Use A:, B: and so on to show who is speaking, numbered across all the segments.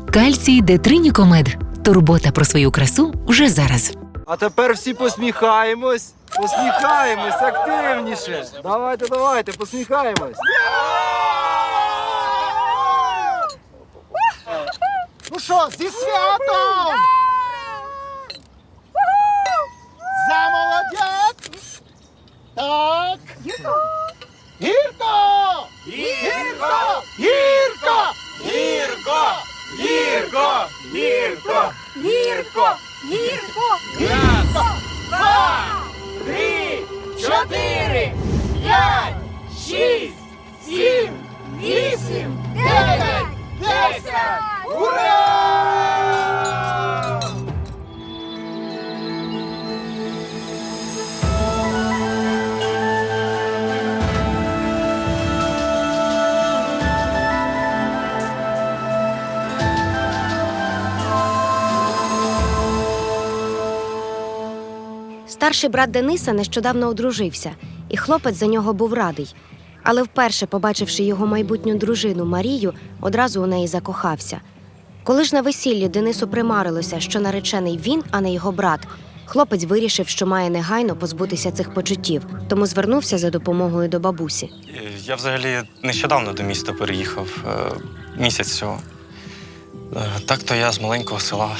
A: Кальцій Детринікомед. Турбота про свою красу вже зараз.
B: А тепер всі посміхаємось. Посміхаємось активніше. Давайте, посміхаємось.
C: Ну що, зі святом! За молодят! Так! Гірко! Гірко! Гірко! Гірко! Гірко! Гірко! Гірко! Гірко! Гірко! Гірко! 2, 3, 4, 5, 6, 7, 8, 9, 10! Ура!
D: Старший брат Дениса нещодавно одружився, і хлопець за нього був радий. Але вперше, побачивши його майбутню дружину Марію, одразу у неї закохався. Коли ж на весіллі Денису примарилося, що наречений він, а не його брат, хлопець вирішив, що має негайно позбутися цих почуттів, тому звернувся за допомогою до бабусі.
E: Я взагалі нещодавно до міста переїхав, місяць всього. Так-то я з маленького села.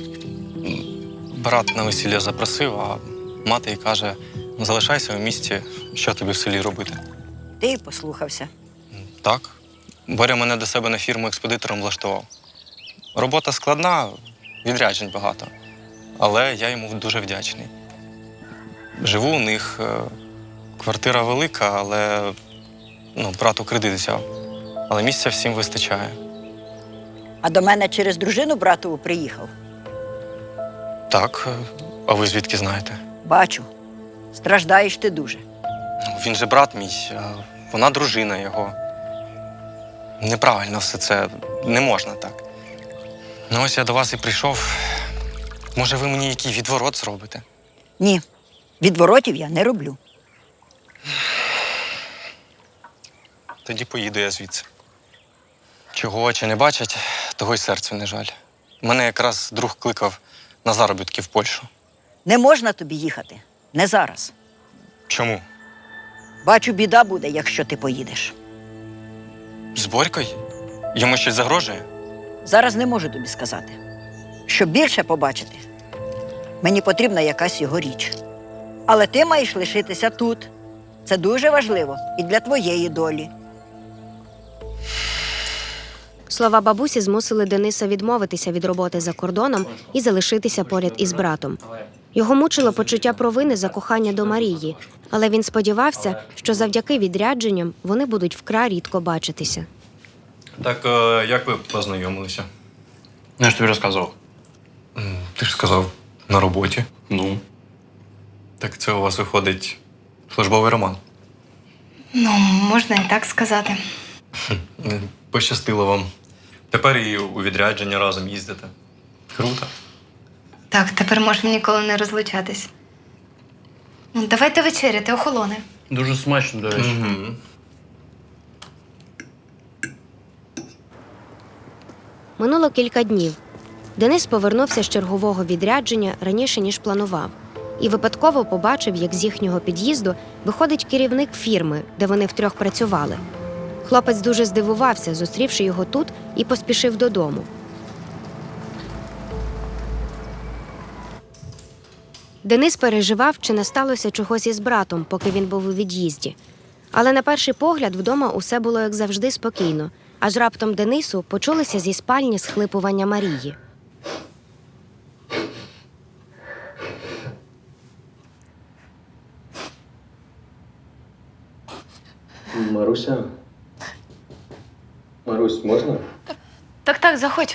E: Брат на весілля запросив, а мати й каже, залишайся у місті, що тобі в селі робити.
F: Ти й послухався.
E: Так. Боря мене до себе на фірму експедитором влаштував. Робота складна, відряджень багато. Але я йому дуже вдячний. Живу у них, квартира велика, але брату кредит взяв. Але місця всім вистачає.
F: А до мене через дружину братову приїхав.
E: Так, а ви звідки знаєте?
F: Бачу, страждаєш ти дуже.
E: Він же брат мій, а вона дружина його. Неправильно все це, не можна так. Ну ось я до вас і прийшов. Може, ви мені який відворот зробите?
F: Ні, відворотів я не роблю.
E: Тоді поїду я звідси. Чого очі не бачать, того й серцю не жаль. Мене якраз друг кликав на заробітки в Польщу.
F: Не можна тобі їхати. Не зараз.
E: Чому?
F: Бачу, біда буде, якщо ти поїдеш.
E: З Борькою? Йому щось загрожує?
F: Зараз не можу тобі сказати. Щоб більше побачити, мені потрібна якась його річ. Але ти маєш лишитися тут. Це дуже важливо і для твоєї долі.
D: Слова бабусі змусили Дениса відмовитися від роботи за кордоном і залишитися поряд із братом. Його мучило почуття провини за кохання до Марії, але він сподівався, що завдяки відрядженням вони будуть вкрай рідко бачитися.
E: Так, як ви познайомилися?
G: Я ж тобі розказував.
E: Ти ж сказав, на роботі.
G: Ну?
E: Так це у вас виходить службовий роман.
H: Ну, можна і так сказати.
E: Пощастило вам. Тепер і у відрядження разом їздите. Круто.
H: Так, тепер можемо ніколи не розлучатись. Ну, давайте вечеряти, охолоне.
G: Дуже смачно, до речі.
E: Угу.
D: Минуло кілька днів. Денис повернувся з чергового відрядження раніше, ніж планував. І випадково побачив, як з їхнього під'їзду виходить керівник фірми, де вони втрьох працювали. Хлопець дуже здивувався, зустрівши його тут, і поспішив додому. Денис переживав, чи не сталося чогось із братом, поки він був у від'їзді. Але на перший погляд вдома усе було, як завжди, спокійно. Аж раптом Денису почулися зі спальні схлипування Марії.
E: Маруся? Марусь, можна?
H: Так, заходь.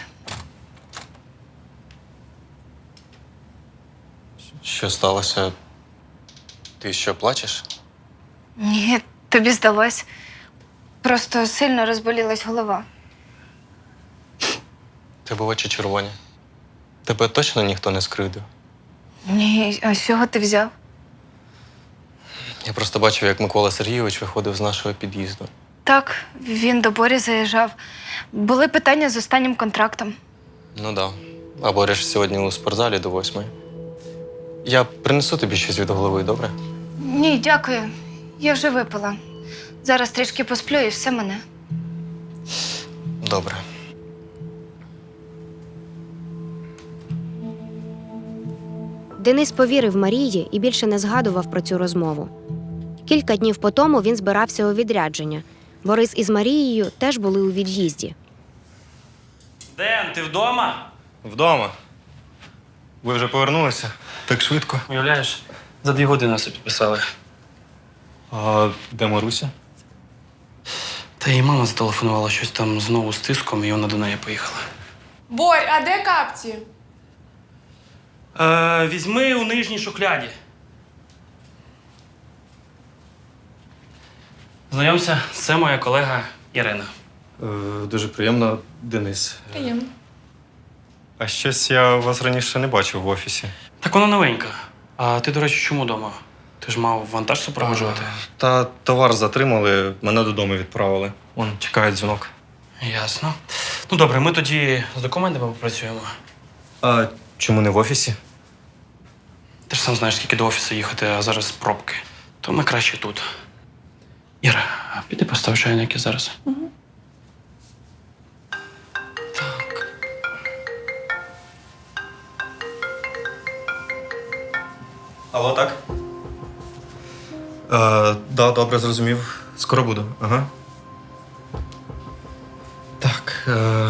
E: Що сталося? Ти що, плачеш?
H: Ні, тобі здалось. Просто сильно розболілась голова.
E: Тебе очі червоні. Тебе точно ніхто не скривдив?
H: Ні, а з чого ти взяв?
E: Я просто бачив, як Микола Сергійович виходив з нашого під'їзду.
H: Так, він до Борі заїжджав. Були питання з останнім контрактом.
E: Ну да. А Боря ж сьогодні у спортзалі до 8. Я принесу тобі щось від голови, добре?
H: Ні, дякую. Я вже випила. Зараз трішки посплю і все мене.
E: Добре.
D: Денис повірив Марії і більше не згадував про цю розмову. Кілька днів по тому він збирався у відрядження. Борис із Марією теж були у від'їзді.
G: Ден, ти вдома?
E: Вдома. Ви вже повернулися? Так швидко.
G: Уявляєш, за 2 години все підписали.
E: А де Маруся?
G: Та їй мама зателефонувала щось там знову з тиском, і вона до неї поїхала.
I: Борь, а де капці?
G: Візьми у нижній шухляді. Знайомся, це моя колега Ірина.
E: Дуже приємно, Денис.
I: Приємно.
E: А щось я вас раніше не бачив в офісі.
G: Так вона новенька. А ти, до речі, чому вдома? Ти ж мав вантаж супроводжувати.
E: Та товар затримали, мене додому відправили. Он чекає дзвінок.
G: Ясно. Ну добре, ми тоді з документами попрацюємо.
E: А чому не в офісі?
G: Ти ж сам знаєш, скільки до офісу їхати, а зараз пробки. То ми краще тут. Іра, а піди постав чайники зараз.
E: Алло, так? Да, добре, зрозумів. Скоро буду. Ага. Так.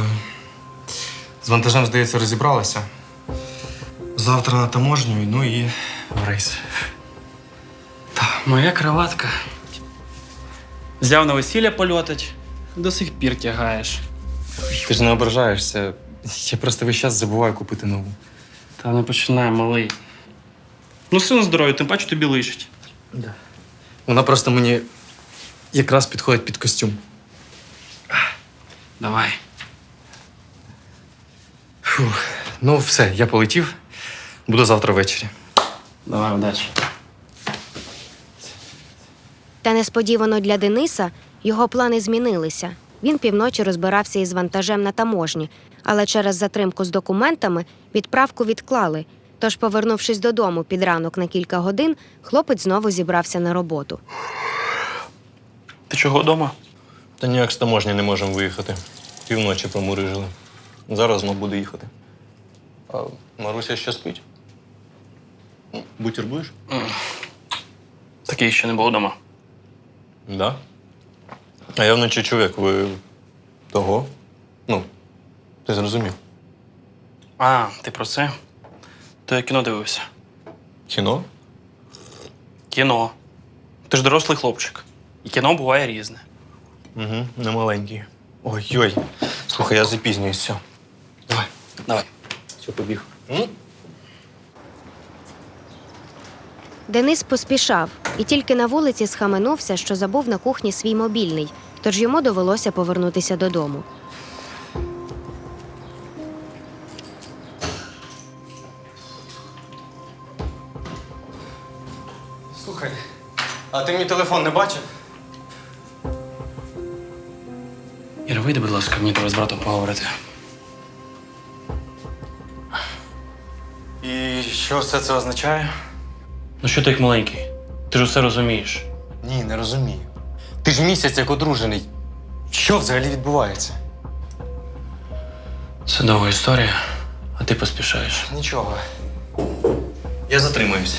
E: З вантажем, здається, розібралися. Завтра на таможню, ну і в рейс.
G: Моя краватка. Взяв на весілля польотить, до сих пір тягаєш.
E: Ти ж не ображаєшся. Я просто весь час забуваю купити нову.
G: Та не починай, малий. Ну, син здоров'я, тим паче тобі лишить.
E: Да. Вона просто мені якраз підходить під костюм.
G: Давай.
E: Фух. Ну, все, я полетів. Буду завтра ввечері.
G: Давай, удачі.
D: Та несподівано для Дениса його плани змінилися. Він півночі розбирався із вантажем на таможні, але через затримку з документами відправку відклали. Тож, повернувшись додому під ранок на кілька годин, хлопець знову зібрався на роботу.
G: Ти чого вдома?
E: Та ніяк з таможні не можемо виїхати. Півночі промурижили. Зараз знов буду їхати. А Маруся ще спить? Бутір будеш?
G: Такий ще не було вдома.
E: Да. А я вночі чув, як ви того. Ну, ти зрозумів.
G: А, ти про це? То я кіно дивився.
E: Кіно?
G: Кіно. Ти ж дорослий хлопчик. І кіно буває різне.
E: Угу, не маленький. Ой-ой. Слухай, я запізнююсь, все. Давай.
G: Давай.
E: Все, побіг.
D: Денис поспішав і тільки на вулиці схаменувся, що забув на кухні свій мобільний, тож йому довелося повернутися додому.
E: Слухай, а ти мій телефон не бачив?
G: Іра, вийди, будь ласка, мені треба з братом поговорити.
E: І що все це означає?
G: Ну що ти як маленький? Ти ж усе розумієш.
E: Ні, не розумію. Ти ж місяць як одружений. Що взагалі відбувається?
G: Це довга історія, а ти поспішаєш.
E: Нічого. Я затримаюсь.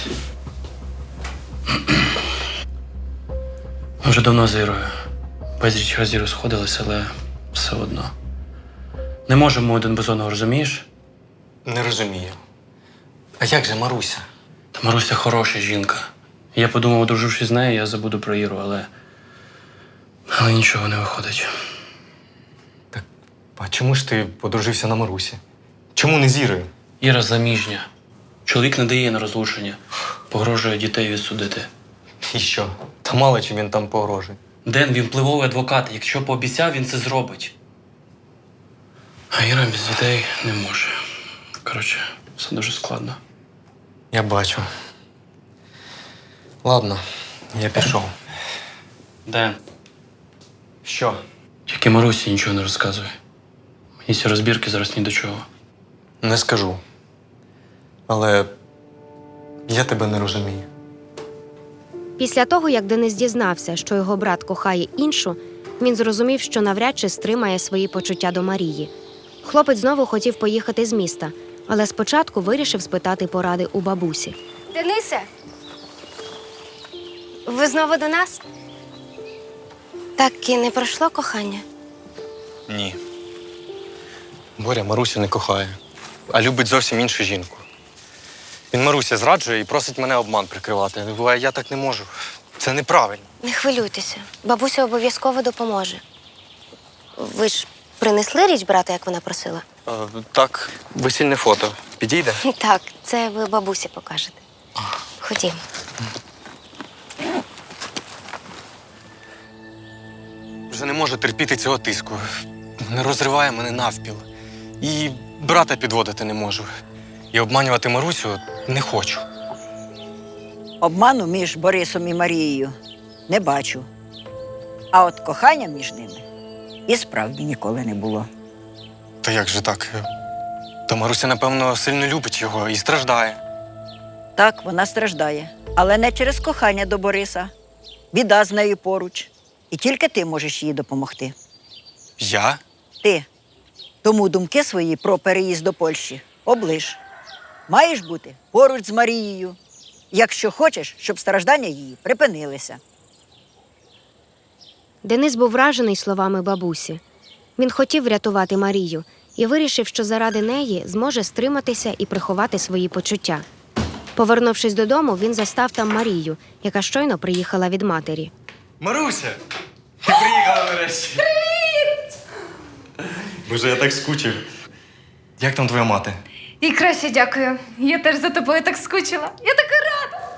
G: Ми вже давно з Ірою. Безліч разів розходилися, але все одно. Не можемо один без одного, розумієш?
E: Не розумію. А як же Маруся?
G: Та Маруся хороша жінка. Я подумав, одружившись з нею, я забуду про Іру, але нічого не виходить.
E: А чому ж ти подружився на Марусі? Чому не з Ірою?
G: Іра заміжня. Чоловік не дає на розлучення. Погрожує дітей відсудити.
E: І що? Та мало чим він там погрожує.
G: Ден, він впливовий адвокат. Якщо пообіцяв, він це зробить. А Іра без дітей не може. Коротше, все дуже складно.
E: Я бачу. Ладно, я пішов.
G: Ден,
E: Що?
G: тільки Марусі нічого не розказує. Мені ці розбірки зараз ні до чого.
E: Не скажу. Але я тебе не розумію.
D: Після того, як Денис дізнався, що його брат кохає іншу, він зрозумів, що навряд чи стримає свої почуття до Марії. Хлопець знову хотів поїхати з міста, але спочатку вирішив спитати поради у бабусі.
H: Денисе, ви знову до нас? Так і не пройшло кохання?
E: Ні. Боря Марусю не кохає, а любить зовсім іншу жінку. Він Маруся зраджує і просить мене обман прикривати. А я так не можу. Це неправильно.
D: Не хвилюйтеся, бабуся обов'язково допоможе. Ви ж принесли річ брата, як вона просила?
E: Так, весільне фото. Підійде?
D: Так, це ви бабусі покажете. Ходімо.
E: Вже не можу терпіти цього тиску. Не розриває мене навпіл. І брата підводити не можу. І обманювати Марусю не хочу.
F: Обману між Борисом і Марією не бачу. А от кохання між ними і справді ніколи не було.
E: Та як же так? То Маруся, напевно, сильно любить його і страждає.
F: Так, вона страждає, але не через кохання до Бориса. Біда з нею поруч. І тільки ти можеш їй допомогти.
E: Я?
F: Ти. Тому думки свої про переїзд до Польщі оближ. Маєш бути поруч з Марією, якщо хочеш, щоб страждання її припинилися.
D: Денис був вражений словами бабусі. Він хотів врятувати Марію і вирішив, що заради неї зможе стриматися і приховати свої почуття. Повернувшись додому, він застав там Марію, яка щойно приїхала від матері.
E: Маруся! Ти приїхала нарешті! Привіт! Боже, я так скучив. Як там твоя мати?
H: І краще дякую. Я теж за тобою так скучила. Я така рада.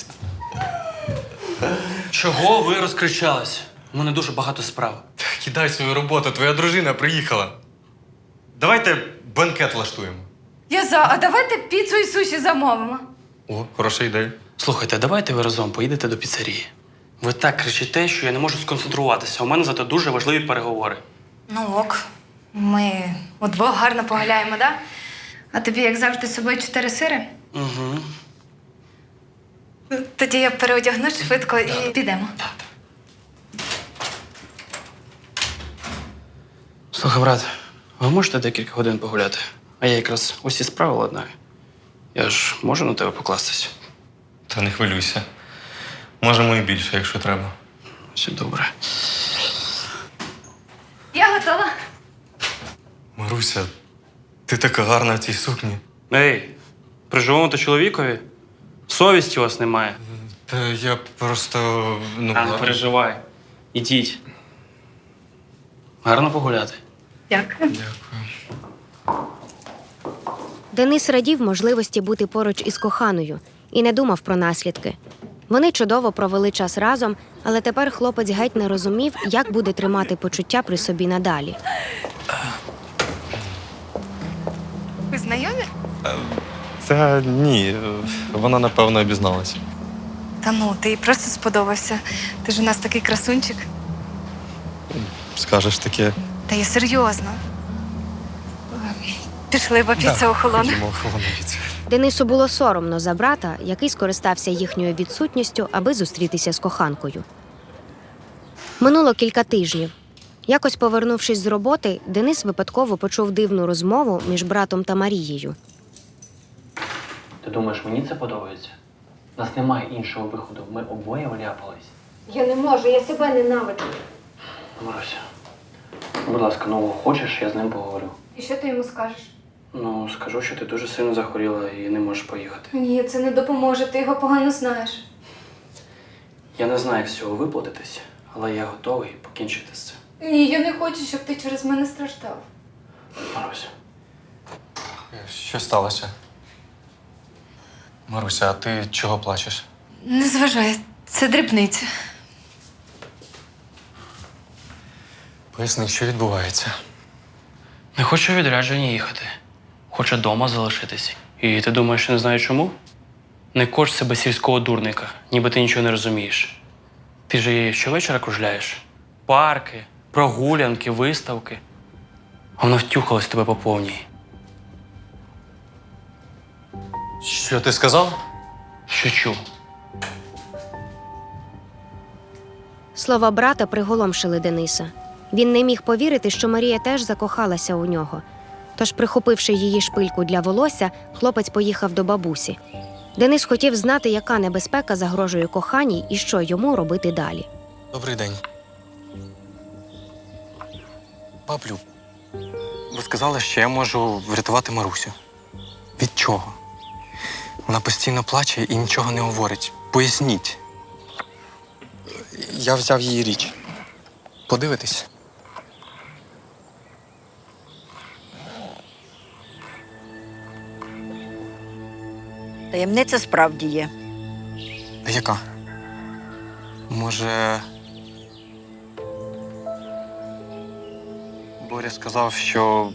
G: Чого ви розкричались? У мене дуже багато справ.
E: Кидай свою роботу, твоя дружина приїхала. Давайте банкет влаштуємо.
H: Я за, а давайте піцу і суші замовимо.
E: О, хороша ідея.
G: Слухайте, давайте ви разом поїдете до піцерії. Ви так кричите, що я не можу сконцентруватися. У мене зато дуже важливі переговори.
H: Ну ок. Ми удвох гарно погуляємо, да? А тобі, як завжди, з собою 4 сири?
G: Угу.
H: Тоді я переодягнусь швидко і підемо.
G: Слухай, брат, ви можете декілька годин погуляти? А я якраз усі справи ладнаю. Я ж можу на тебе покластись?
E: Та не хвилюйся. Можемо і більше, якщо треба.
G: Все добре.
H: Я готова.
E: Маруся, ти така гарна в цій сукні.
G: Ей, при живому чоловікові совісті у вас немає.
E: Та я просто.
G: Не переживай. Ідіть. Гарно погуляти.
H: Дякую.
E: Дякую.
D: Денис радів можливості бути поруч із коханою і не думав про наслідки. Вони чудово провели час разом, але тепер хлопець геть не розумів, як буде тримати почуття при собі надалі.
H: Ви знайомі?
E: Та ні, вона напевно обізналася.
H: Та ну, ти їй просто сподобався. Ти ж у нас такий красунчик.
E: Скажеш таке.
H: Та я серйозно. Пішли, бо піца охолоне.
E: Ходімо, охолоне піца.
D: Денису було соромно за брата, який скористався їхньою відсутністю, аби зустрітися з коханкою. Минуло кілька тижнів. Якось повернувшись з роботи, Денис випадково почув дивну розмову між братом та Марією.
G: Ти думаєш, мені це подобається? У нас немає іншого виходу. Ми обоє вляпались.
D: Я не можу, я себе ненавиджу.
G: Маруся, будь ласка, ну хочеш, я з ним поговорю.
H: І що ти йому скажеш?
G: Ну, скажу, що ти дуже сильно захворіла і не можеш поїхати.
H: Ні, це не допоможе, ти його погано знаєш.
G: Я не знаю, як з цього виплатитись, але я готовий покінчити з цим.
H: Ні, я не хочу, щоб ти через мене страждав.
G: Маруся.
E: Що сталося? Маруся, а ти чого плачеш?
H: Не зважай, це дрібниця.
E: Поясни, що відбувається.
G: Не хочу у відрядження їхати. Хочу вдома залишитись. І ти думаєш, що не знаю чому? Не кош себе сільського дурника, ніби ти нічого не розумієш. Ти ж її щовечора кружляєш. Парки, прогулянки, виставки. А вона втюхалась тебе по повній.
E: Що ти сказав?
G: Що чув?
D: Слова брата приголомшили Дениса. Він не міг повірити, що Марія теж закохалася у нього. Тож, прихопивши її шпильку для волосся, хлопець поїхав до бабусі. Денис хотів знати, яка небезпека загрожує коханій і що йому робити далі.
E: Добрий день. Баблю, ви сказали, що я можу врятувати Марусю. Від чого? Вона постійно плаче і нічого не говорить. Поясніть. Я взяв її річ. Подивитись?
F: Таємниця справді є.
E: А яка? Може. Боря сказав, що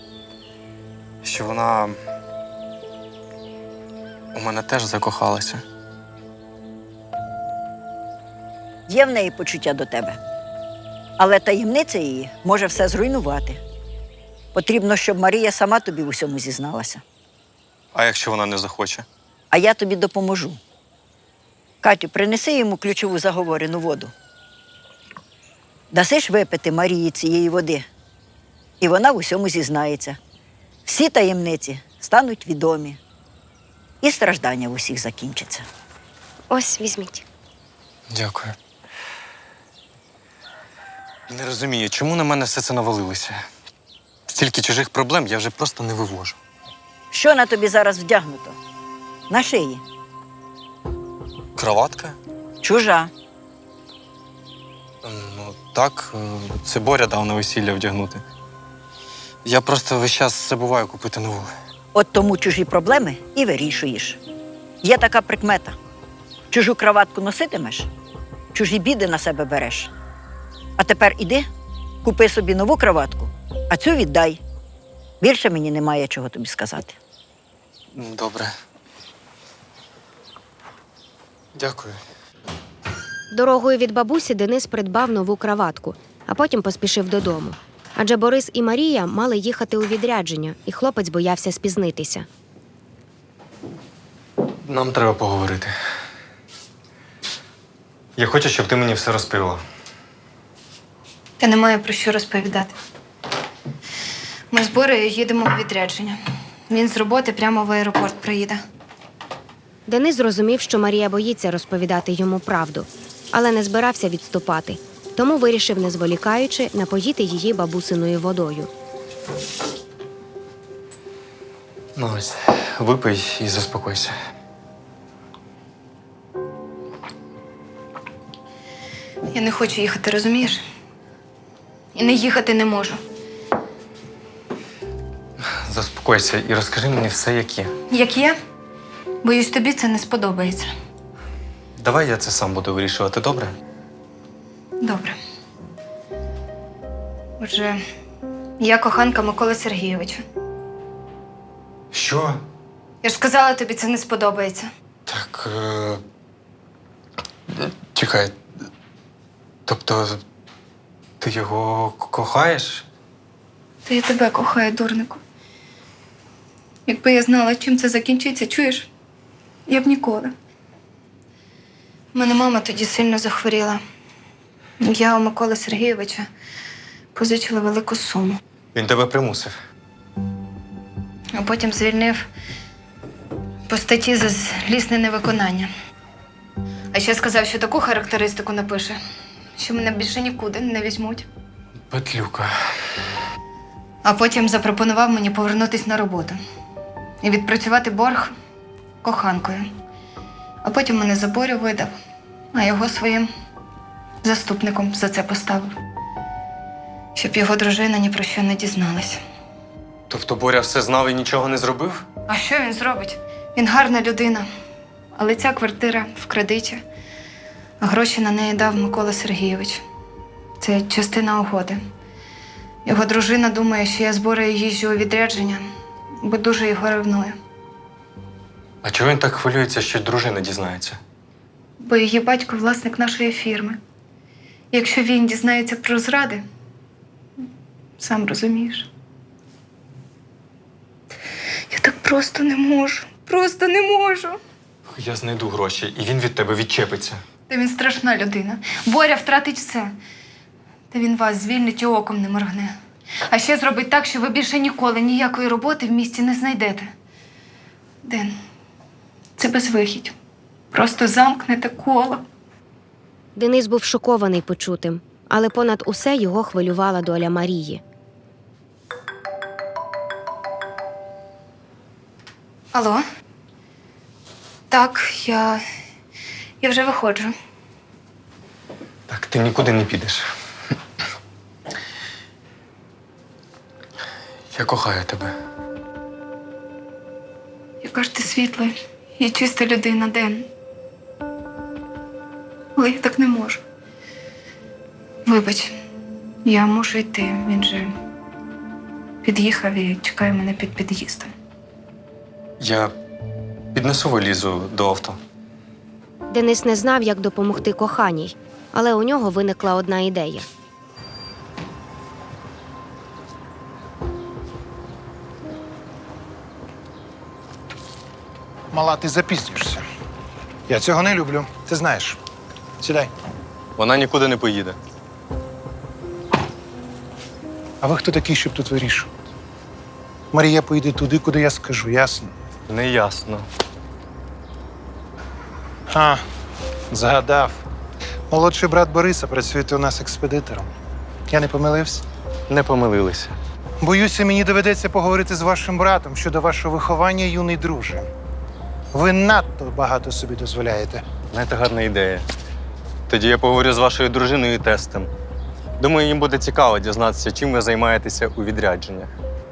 E: вона у мене теж закохалася.
F: Є в неї почуття до тебе. Але таємниця її може все зруйнувати. Потрібно, щоб Марія сама тобі в усьому зізналася.
E: А якщо вона не захоче?
F: А я тобі допоможу. Катю, принеси йому ключову заговорену воду. Дасиш випити Марії цієї води, і вона в усьому зізнається. Всі таємниці стануть відомі, і страждання в усіх закінчаться.
D: Ось, візьміть.
E: Дякую. Не розумію, чому на мене все це навалилося? Стільки чужих проблем я вже просто не вивожу.
F: Що на тобі зараз вдягнуто? На шиї.
E: Кроватка?
F: Чужа.
E: Ну, так, це Боря дав на весілля вдягнути. Я просто весь час забуваю купити нову.
F: От тому чужі проблеми і вирішуєш. Є така прикмета. Чужу краватку носитимеш, чужі біди на себе береш. А тепер іди, купи собі нову краватку, а цю віддай. Більше мені немає чого тобі сказати.
E: Добре. Дякую.
D: Дорогою від бабусі Денис придбав нову краватку, а потім поспішив додому. Адже Борис і Марія мали їхати у відрядження, і хлопець боявся спізнитися.
E: Нам треба поговорити. Я хочу, щоб ти мені все розповіла.
H: Та немає про що розповідати. Ми з Борею їдемо у відрядження. Він з роботи прямо в аеропорт приїде.
D: Денис зрозумів, що Марія боїться розповідати йому правду, але не збирався відступати. Тому вирішив, не зволікаючи, напоїти її бабусиною водою.
E: Ну ось, випий і заспокойся.
H: Я не хочу їхати, розумієш? І не їхати не можу.
E: Заспокойся і розкажи мені все, як є.
H: Як є? Боюсь, тобі це не сподобається.
E: Давай я це сам буду вирішувати, добре?
H: Добре. Отже, я коханка Миколи Сергійовича.
E: Що?
H: Я ж сказала, тобі це не сподобається.
E: Так. Чекай. Тобто, ти його кохаєш?
H: Та я тебе кохаю, дурнику. Якби я знала, чим це закінчиться, чуєш? Я б ніколи. У мене мама тоді сильно захворіла. Я у Миколи Сергійовича позичила велику суму.
E: Він тебе примусив.
H: А потім звільнив по статті за злісне невиконання. А ще сказав, що таку характеристику напише, що мене більше нікуди не візьмуть.
E: Петлюка.
H: А потім запропонував мені повернутися на роботу і відпрацювати борг коханкою. А потім мене за Борю видав, а його своїм заступником за це поставив. Щоб його дружина ні про що не дізналась.
E: Тобто Боря все знав і нічого не зробив?
H: А що він зробить? Він гарна людина. Але ця квартира в кредиті. А гроші на неї дав Микола Сергійович. Це частина угоди. Його дружина думає, що я з Борею їжджу у відрядження, бо дуже його ревную.
E: А чого він так хвилюється, що дружина дізнається?
H: Бо її батько власник нашої фірми. Якщо він дізнається про зради, сам розумієш. Я так просто не можу. просто не можу.
E: Я знайду гроші, і він від тебе відчепиться.
H: Та він страшна людина. Боря втратить все. Та він вас звільнить і оком не моргне. А ще зробить так, що ви більше ніколи ніякої роботи в місті не знайдете. Ден, це безвихідь. Просто замкнете коло.
D: Денис був шокований почутим, але понад усе його хвилювала доля Марії.
H: Алло? Так, я вже виходжу.
E: Так, ти нікуди не підеш. Я кохаю тебе.
H: Яка ж ти світла і чиста людина, Ден. Але я так не можу. Вибач, я мушу йти. Він же під'їхав і чекає мене під під'їздом.
E: Я піднесу валізу до авто.
D: Денис не знав, як допомогти коханій, але у нього виникла одна ідея.
C: Мала, ти запізнюєшся. Я цього не люблю, ти знаєш. Сідай.
E: Вона нікуди не поїде.
C: А ви хто такий, щоб тут вирішувати? Марія поїде туди, куди я скажу, ясно?
E: Неясно.
C: А, згадав. Молодший брат Бориса працює у нас експедитором. Я не помилився?
E: Не помилилися.
C: Боюся, мені доведеться поговорити з вашим братом щодо вашого виховання, юний друже. Ви надто багато собі дозволяєте.
E: Знаєте, гарна ідея. Тоді я поговорю з вашою дружиною і тестем. Думаю, їм буде цікаво дізнатися, чим ви займаєтеся у відрядженнях.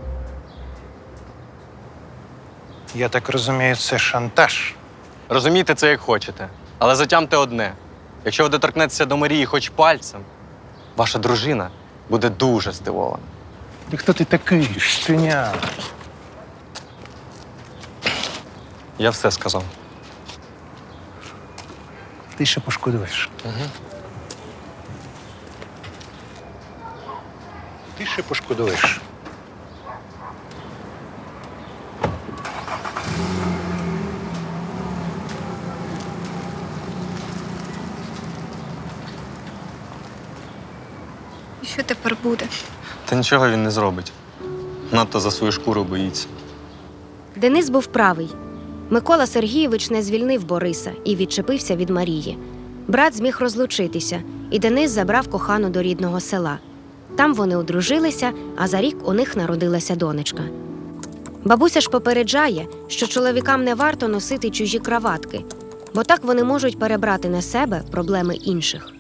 C: Я так розумію, це шантаж.
E: Розумійте це як хочете, але затямте одне. Якщо ви доторкнетеся до Марії хоч пальцем, ваша дружина буде дуже здивована.
C: Ти хто ти такий, щеня?
E: Я все сказав.
C: Ти ще пошкодуєш. Ти ще пошкодуєш.
H: І що тепер буде?
E: Та нічого він не зробить. Надто за свою шкуру боїться.
D: Денис був правий. Микола Сергійович не звільнив Бориса і відчепився від Марії. Брат зміг розлучитися, і Денис забрав кохану до рідного села. Там вони одружилися, а за рік у них народилася донечка. Бабуся ж попереджає, що чоловікам не варто носити чужі краватки, бо так вони можуть перебрати на себе проблеми інших.